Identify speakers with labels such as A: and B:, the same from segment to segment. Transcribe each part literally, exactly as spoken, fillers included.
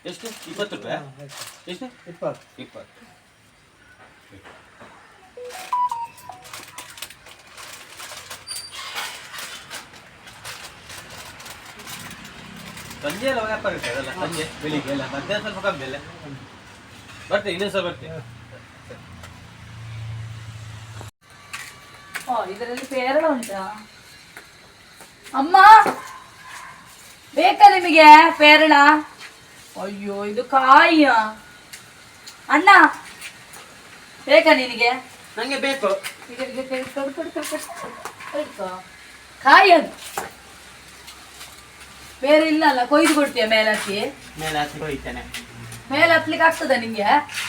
A: ಎಷ್ಟು ಇಪ್ಪತ್ತು ರೂಪಾಯಿ ಎಷ್ಟು
B: ಇಪ್ಪತ್ತು
A: ಇಪ್ಪತ್ತು ಸಂಜೆ ಎಲ್ಲ ವ್ಯಾಪಾರ ಇರ್ತದಲ್ಲ ಸಂಜೆ ಬೆಳಿಗ್ಗೆ ಎಲ್ಲ ಮಧ್ಯಾಹ್ನ ಸ್ವಲ್ಪ ಕಮ್ಮಿ ಅಲ್ಲ ಬರ್ತೇನೆ ಇನ್ನೊಂದು ಸಲ ಬರ್ತೇನೆ.
C: ಇದರಲ್ಲಿ ಪೇರಳ ಉಂಟಾ ಅಮ್ಮ? ಬೇಕಾ ನಿಮಗೆ ಪೇರಳ? ಅಯ್ಯೋ ಇದು ಕಾಯಿಯ ಅಣ್ಣ ಬೇಕಾ ನಿನಗೆ?
A: ನಂಗೆ ಬೇಕು.
C: ಕಾಯಿ ಅದು ಬೇರೆ ಇಲ್ಲ ಅಲ್ಲ, ಕೊಯ್ದು ಕೊಡ್ತೀಯ ಮೇಲೆ ಹತ್ತಿ?
A: ಮೇಲೆ ಹತ್ತಿ ಹೋಯ್ತೇನೆ.
C: ಮೇಲೆ ಹತ್ಲಿಕ್ಕೆ ಆಗ್ತದ ನಿಂಗೆ?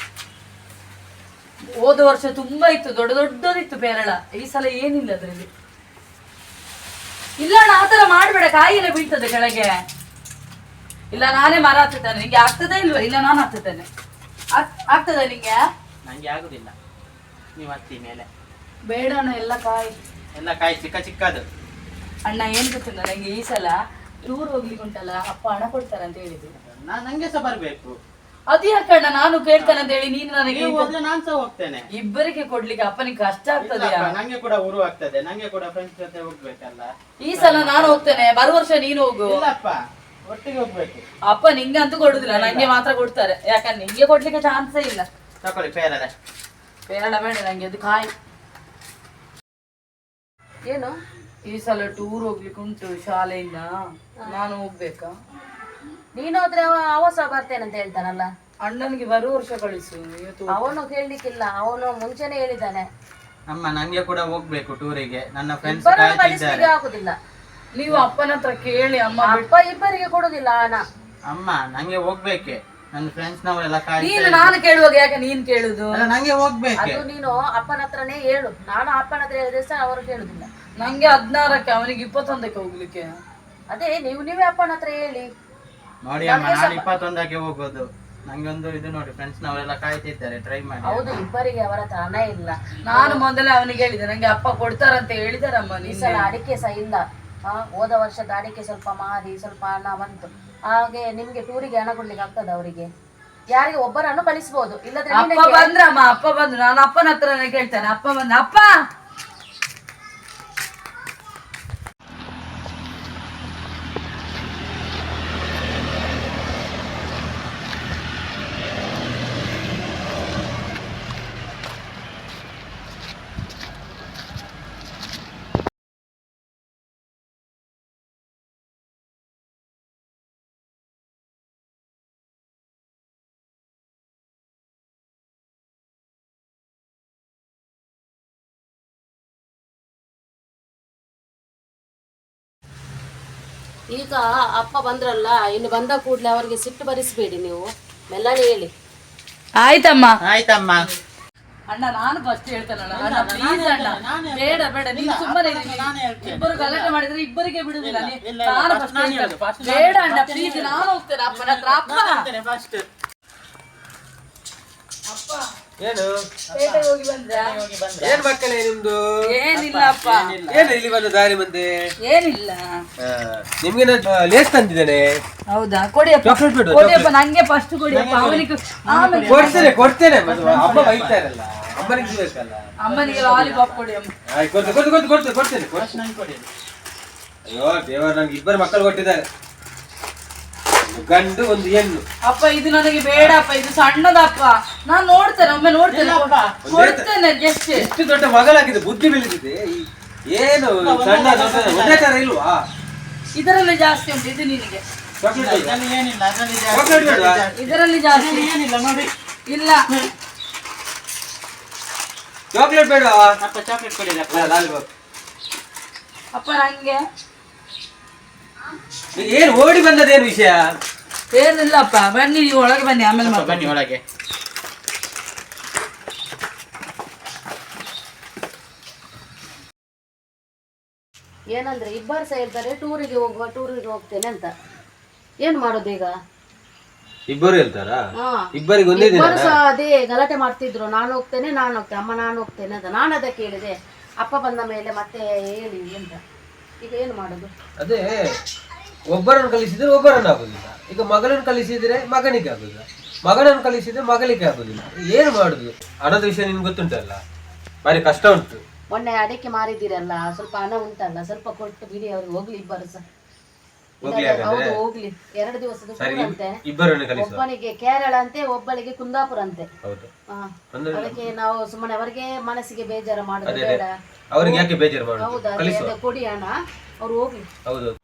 C: ಹೋದ ವರ್ಷ ತುಂಬಾ ಇತ್ತು, ದೊಡ್ಡ ದೊಡ್ಡದಿತ್ತು ಪೇರಳ. ಈ ಸಲ ಏನಿಲ್ಲ ಅದ್ರಲ್ಲಿ. ಇಲ್ಲ ಅಣ್ಣ ಆತರ ಮಾಡ್ಬೇಡ, ಕಾಯಿ ಎಲ್ಲ ಬೀಳ್ತದೆ ಕೆಳಗೆ. ಇಲ್ಲ ನಾನೇ ಮರ ಹತ್ತುತ್ತೇನೆ. ನಿಂಗೆ ಆಗ್ತದೆ ಇಲ್ವಾ? ಇಲ್ಲ ನಾನು ಹತ್ತುತ್ತೇನೆ. ಆಗ್ತದ ನಿಂಗೆ?
A: ನಂಗೆ ಆಗುದಿಲ್ಲ, ನೀವು ಹತ್ತಿ ಮೇಲೆ.
C: ಬೇಡ ಅಣ್ಣ, ಎಲ್ಲ ಕಾಯಿ
A: ಎಲ್ಲ ಕಾಯಿ ಚಿಕ್ಕ ಚಿಕ್ಕದು.
C: ಅಣ್ಣ ಏನ್ ಗೊತ್ತಿಲ್ಲ, ನಂಗೆ ಈ ಸಲ ಟೂರ್ ಹೋಗ್ಲಿಕ್ಕೆ ಉಂಟಲ್ಲ, ಅಪ್ಪ ಹಣ ಕೊಡ್ತಾರೆ ಅಂತ ಹೇಳಿದ್ರು.
A: ನಾನ್ ನಂಗೆ ಸಹ ಬರ್ಬೇಕು.
C: ಅದು ಯಾಕಣ್ಣ ನಾನು ಕೇಳ್ತೇನೆ ಅಂತ ಹೇಳಿ ನೀನು ನನಗೆ
A: ನಾನ್ ಸಹ ಹೋಗ್ತೇನೆ.
C: ಇಬ್ಬರಿಗೆ ಕೊಡ್ಲಿಕ್ಕೆ ಅಪ್ಪನಿಗೆ ಕಷ್ಟ ಆಗ್ತದೆ.
A: ನಂಗೆ ಕೂಡ ಊರು ಆಗ್ತದೆ, ನಂಗೆ ಕೂಡ ಫ್ರೆಂಡ್ಸ್ ಜೊತೆ ಹೋಗ್ಬೇಕಲ್ಲ.
C: ಈ ಸಲ ನಾನು ಹೋಗ್ತೇನೆ, ಬರುವ ವರ್ಷ ನೀನು ಹೋಗು.
A: ಇಲ್ಲಪ್ಪ, ಒಟ್ಟಿಗೆ ಹೋಗ್ಬೇಕು.
C: ಅಪ್ಪ ನಿಂಗೆ ಅಂತೂ ಕೊಡುದಿಲ್ಲ, ನಂಗೆ ಮಾತ್ರ ಕೊಡ್ತಾರೆ. ಯಾಕಂದ್ರೆ ನಿಂಗೆ ಕೊಡ್ಲಿಕ್ಕೆ ಚಾನ್ಸೇ ಇಲ್ಲ.
A: ತಕೊಳ್ಳಿ ಪೇರಳೆ.
C: ಪೇರಳ ಬೇಡ ನಂಗೆ, ಅದು ಕಾಯಿ.
D: ಏನು
C: ಈ ಸಲ ಟೂರ್ ಹೋಗ್ಲಿಕ್ಕೆ ಉಂಟು ಶಾಲೆಯಿಂದ, ನಾನು ಹೋಗ್ಬೇಕಾ?
D: ನೀನು ಹೋದ್ರೆ ಅವ ಅವ ಸಹ ಬರ್ತೇನೆ ಅಂತ ಹೇಳ್ತಾನಲ್ಲ.
C: ಅಣ್ಣನಿಗೆ ಬರುವ ವರ್ಷ ಕಳಿಸು.
D: ಅವನು ಕೇಳಲಿಕ್ಕಿಲ್ಲ, ಅವನು ಮುಂಚೆನೆ ಹೇಳಿದ್ದಾನೆ.
A: ಅಮ್ಮ ನಂಗೆ ಕೂಡ ಹೋಗ್ಬೇಕು ಟೂರಿಗೆ, ನನ್ನ ಫ್ರೆಂಡ್ಸ್
D: ಕಳಿಸ್ಲಿಕ್ಕೆ ಆಗುದಿಲ್ಲ.
C: ನೀವು ಅಪ್ಪನ ಹತ್ರ ಕೇಳಿ. ಅಮ್ಮ
D: ಅಪ್ಪ ಇಬ್ಬರಿಗೆ ಕೊಡುದಿಲ್ಲ ಹಣ.
A: ಅಮ್ಮ ನಂಗೆ ಹೋಗ್ಬೇಕೆ, ನನ್ನ ಫ್ರೆಂಡ್ಸ್ ನವರೆಲ್ಲ
C: ನೀನು ನಾನು ಕೇಳುವಾಗ ಯಾಕೆ ನೀನ್ ಕೇಳುದು?
A: ನಂಗೆ ಹೋಗ್ಬೇಕು.
D: ಅದು ನೀನು ಅಪ್ಪನ ಹತ್ರನೇ ಹೇಳು. ನಾನು ಅಪ್ಪನ ಹತ್ರ ಹೇಳಿದ್ರೆ ಸಹ ಅವರು ಕೇಳುದಿಲ್ಲ.
C: ನಂಗೆ ಹದಿನಾರಕ್ಕೆ, ಅವನಿಗೆ ಇಪ್ಪತ್ತೊಂದಕ್ಕೆ ಹೋಗ್ಲಿಕ್ಕೆ.
D: ಅದೇ ನೀವು ನೀವೇ ಅಪ್ಪನ ಹತ್ರ ಹೇಳಿ.
A: ನೋಡಿ ಅಮ್ಮ, ನಾನು ಇಪ್ಪತ್ತೊಂದಕ್ಕೆ ಹೋಗೋದು. ನಂಗೆ ಒಂದು ಇದು ನೋಡಿ, ಫ್ರೆಂಡ್ಸ್ ನವರೆಲ್ಲ ಕಾಯ್ತಿದ್ದಾರೆ, ಟ್ರೈ ಮಾಡಿ.
D: ಹೌದು, ಇಬ್ಬರಿಗೆ ಅವರ ಹತ್ರ ಹಣ ಇಲ್ಲ.
C: ನಾನು ಮೊದಲೇ ಅವನಿಗೆ ಹೇಳಿದೆ, ನಂಗೆ ಅಪ್ಪ ಕೊಡ್ತಾರಂತ ಹೇಳಿದಾರಮ್ಮ.
D: ಈ ಸಲ ಅಡಿಕೆ ಸಹ ಇಲ್ಲ. ಆ ಹೋದ ವರ್ಷದ ಅಡಿಕೆ ಸ್ವಲ್ಪ ಮಾರಿ ಸ್ವಲ್ಪ ಹಣ ಬಂತು. ಹಾಗೆ ನಿಮ್ಗೆ ಟೂರಿಗೆ ಹಣ ಕೊಡ್ಲಿಕ್ಕೆ ಆಗ್ತದ ಅವರಿಗೆ? ಯಾರಿಗೆ ಒಬ್ಬರನ್ನು ಕಳಿಸಬಹುದು, ಇಲ್ಲದ್ರೆ
C: ಅಪ್ಪ ಬಂದ್ರಮ್ಮ. ಅಪ್ಪ ಬಂದ್ರು, ನಾನು ಅಪ್ಪನ ಹತ್ರನೇ ಕೇಳ್ತೇನೆ. ಅಪ್ಪ ಬಂದ. ಅಪ್ಪ
D: ಈಗ ಅಪ್ಪ ಬಂದ್ರಲ್ಲ, ಇನ್ನು ಬಂದ ಕೂಡ್ಲೆ ಅವರಿಗೆ ಸಿಟ್ಟು ಬರಿಸಬೇಡಿ, ನೀವು ಮೆಲ್ಲನೆ ಹೇಳಿ.
C: ಆಯ್ತಮ್ಮ.
A: ಆಯ್ತಮ್ಮ.
C: ಅಣ್ಣ ನಾನು ಫಸ್ಟ್ ಹೇಳ್ತೇನೆ ಅಣ್ಣ, ಪ್ಲೀಸ್ ಅಣ್ಣ, ಬೇಡ ಬೇಡ, ನೀನು ಸುಮ್ಮನೆ ಇಬ್ಬರು ಗಲಾಟೆ ಮಾಡಿದ್ರೆ ಇಬ್ಬರಿಗೆ ಬಿಡುದಿಲ್ಲ. ನಾನು ಫಸ್ಟ್ ಬೇಡ ಅಣ್ಣ, ಪ್ಲೀಸ್, ನಾನು ಹೋಗ್ತೇನೆ ಅಪ್ಪನ ಹತ್ರ. ಅಪ್ಪ ಅಪ್ಪ
A: ಏನು
C: ಪೇಟೆಗೆ ಹೋಗಿ ಬಂದ್ರ?
B: ಏನ್ ಮಕ್ಕಳೇ ನಿಮ್ದು?
C: ಏನಿಲ್ಲ ಅಪ್ಪ.
B: ಏನು ಇಲ್ಲಿ ಬಂದ ದಾರಿ ಮುಂದೆ?
C: ಏನಿಲ್ಲ,
B: ನಿಮ್ಗೆ ಲೇಸ್ ತಂದಿದ್ದೇನೆ.
C: ಹೌದಾ? ಕೊಡಿಯಪ್ಪ,
B: ಚಾಕ್ಲೇಟ್ ಬಿಡು.
C: ಕೊಡಿಯಪ್ಪ, ನಂಗೆ ಫಸ್ಟ್ ಕೊಡಿಯಪ್ಪ. ಅವನಿಗೆ ಆಮೇಲೆ
B: ಕೊಡ್ತೇನೆ ಕೊಡ್ತೇನೆ. ಅಮ್ಮ ಬೈತಾರಲ್ಲ, ಅಮ್ಮನಿಗೆ ಬೇಕಲ್ಲ.
C: ಅಮ್ಮನಿಗೆ ಲಾಲಿಪಾಪ್ ಕೊಡಿ ಅಮ್ಮ.
B: ಆಯ್ತು, ಕೊಡ್ತೇನೆ ಕೊಡ್ತೇನೆ ಕೊಡ್ತೇನೆ ಕೊಡ್ತೇನೆ ಕೊಡ್ತೇನೆ
A: ಕೊಡಿ.
B: ಅಯ್ಯೋ ದೇವರು, ನಂಗೆ ಇಬ್ಬರು ಮಕ್ಕಳು ಕೊಟ್ಟಿದ್ದಾರೆ, ಗಂಡು ಒಂದು ಹೆಣ್ಣು.
C: ಅಪ್ಪ ಇದು ನನಗೆ ಬೇಡಪ್ಪ, ಇದು ಸಣ್ಣದಪ್ಪ. ನಾನು ನೋಡ್ತೇನೆ, ಒಮ್ಮೆ ನೋಡ್ತೇನೆ, ಕೊಡ್ತೇನೆ. ಜಸ್ಟ್
B: ಎಷ್ಟು ದೊಡ್ಡ ಮಗಳಾಗಿದೆ, ಬುದ್ಧಿ ಬೆಳೆದಿದೆ. ಏನು ಸಣ್ಣ ದೊಡ್ಡ ಒಂದೇ ತರ ಇಲ್ವಾ?
C: ಇದರಲ್ಲಿ ಜಾಸ್ತಿ ಉಂಟು, ಇದು ನಿನಗೆ.
B: ಚಾಕ್ಲೇಟ್
A: ಅದ್ರಲ್ಲಿ ಏನಿಲ್ಲ, ಅದ್ರಲ್ಲಿ
B: ಚಾಕ್ಲೇಟ್ ಬೇಡವಾ?
C: ಇದರಲ್ಲಿ ಜಾಸ್ತಿ
A: ಏನಿಲ್ಲ ನೋಡಿ.
C: ಇಲ್ಲ.
B: ಚಾಕ್ಲೇಟ್ ಬೇಡವಾ?
A: ಅಪ್ಪ ಚಾಕ್ಲೇಟ್ ಕೊಡಿ.
B: ಲಾಲಿಪಾಪ್.
C: ಅಪ್ಪ ನಂಗೆ
B: ಏನು ಓಡಿ ಬಂದದೇನು ವಿಷಯ?
C: ಏನಿಲ್ಲಪ್ಪ, ಬನ್ನಿ ನೀವು ಒಳಗೆ ಬನ್ನಿ, ಆಮೇಲೆ ಮಾತಾಡಿ.
A: ಬನ್ನಿ ಒಳಗೆ.
D: ಏನಂದ್ರೆ ಇಬ್ಬರು ಸಹ ಹೇಳ್ತಾರೆ ಟೂರಿಗೆ ಹೋಗುವ ಟೂರಿಗೆ ಹೋಗ್ತೇನೆ ಅಂತ. ಏನ್ ಮಾಡೋದು ಈಗ?
B: ಇಬ್ಬರು ಹೇಳ್ತಾರಾ?
D: ಹಾ,
B: ಇಬ್ಬರಿಗೆ ಒಂದೇ ದಿನ?
D: ಇಬ್ಬರು ಸಹ ಅದೇ ಗಲಾಟೆ ಮಾಡ್ತಿದ್ರು. ನಾನು ಹೋಗ್ತೇನೆ ನಾನು ಹೋಗ್ತೇನೆ ಅಮ್ಮ ನಾನು ಹೋಗ್ತೇನೆ ಅಂತ. ನಾನು ಅದಕ್ಕೆ ಹೇಳಿದೆ, ಅಪ್ಪ ಬಂದ ಮೇಲೆ ಮತ್ತೆ ಹೇಳಿ ಅಂತ. ಈಗ ಏನು ಮಾಡೋದು?
B: ಅದೇ ಒಬ್ಬರನ್ನು ಕಲಿಸಿದ್ರೆ ಒಬ್ಬರನ್ನು ಆಗುದಿಲ್ಲ. ಈಗ ಮಗಳನ್ನು ಕಲಿಸಿದ್ರೆ ಮಗನಿಗೆ ಆಗುದಿಲ್ಲ, ಮಗನನ್ನು ಕಲಿಸಿದ್ರೆ ಮಗಳಿಗೆ ಆಗುದಿಲ್ಲ. ಏನು ಮಾಡುದು? ಹಣದ ವಿಷಯ ನಿಮ್ಗೆ ಗೊತ್ತುಂಟಲ್ಲ, ಬಾರಿ ಕಷ್ಟ ಉಂಟು.
D: ಮೊನ್ನೆ ಅಡಿಕೆ ಮಾರಿದಿರಲ್ಲ, ಸ್ವಲ್ಪ ಹಣ ಉಂಟಲ್ಲ, ಸ್ವಲ್ಪ ಕೊಟ್ಟು ಬಿಡಿ ಅವ್ರಿಗೆ, ಹೋಗ್ಲಿ ಇಬ್ಬರು ಸಹ.
B: ಹೋಗ್ಲಿ
D: ಹೌದು
B: ಹಾಗಾದ್ರೆ
D: ಹೋಗ್ಲಿ, ಎರಡು ದಿವಸದ
B: ಸರಿ,
D: ಟೂರ್ ಅಂತೆ.
B: ಇಬ್ಬರನ್ನು ಕಲಿಸುವ.
D: ಒಬ್ಬನಿಗೆ ಕೇರಳ ಅಂತೆ, ಒಬ್ಬಳಿಗೆ ಕುಂದಾಪುರ ಅಂತೆ.
B: ಹೌದು,
D: ಹಾ.
B: ಅಂದ್ರೆ
D: ಅದಕ್ಕೆ ನಾವು ಸುಮ್ಮನೆ ಅವರಿಗೆ ಮನಸ್ಸಿಗೆ ಬೇಜಾರು ಮಾಡುದು
B: ಅದೇ
D: ಬೇಡ.
B: ಅವ್ರಿಗೆ ಯಾಕೆ ಬೇಜಾರು ಮಾಡುದು,
D: ಹೌದಾ,
B: ಕಲಿಸುವ.
D: ಅದೇ ಕೊಡಿ ಹಣ, ಅವ್ರು ಹೋಗ್ಲಿ.
B: ಹೌದು,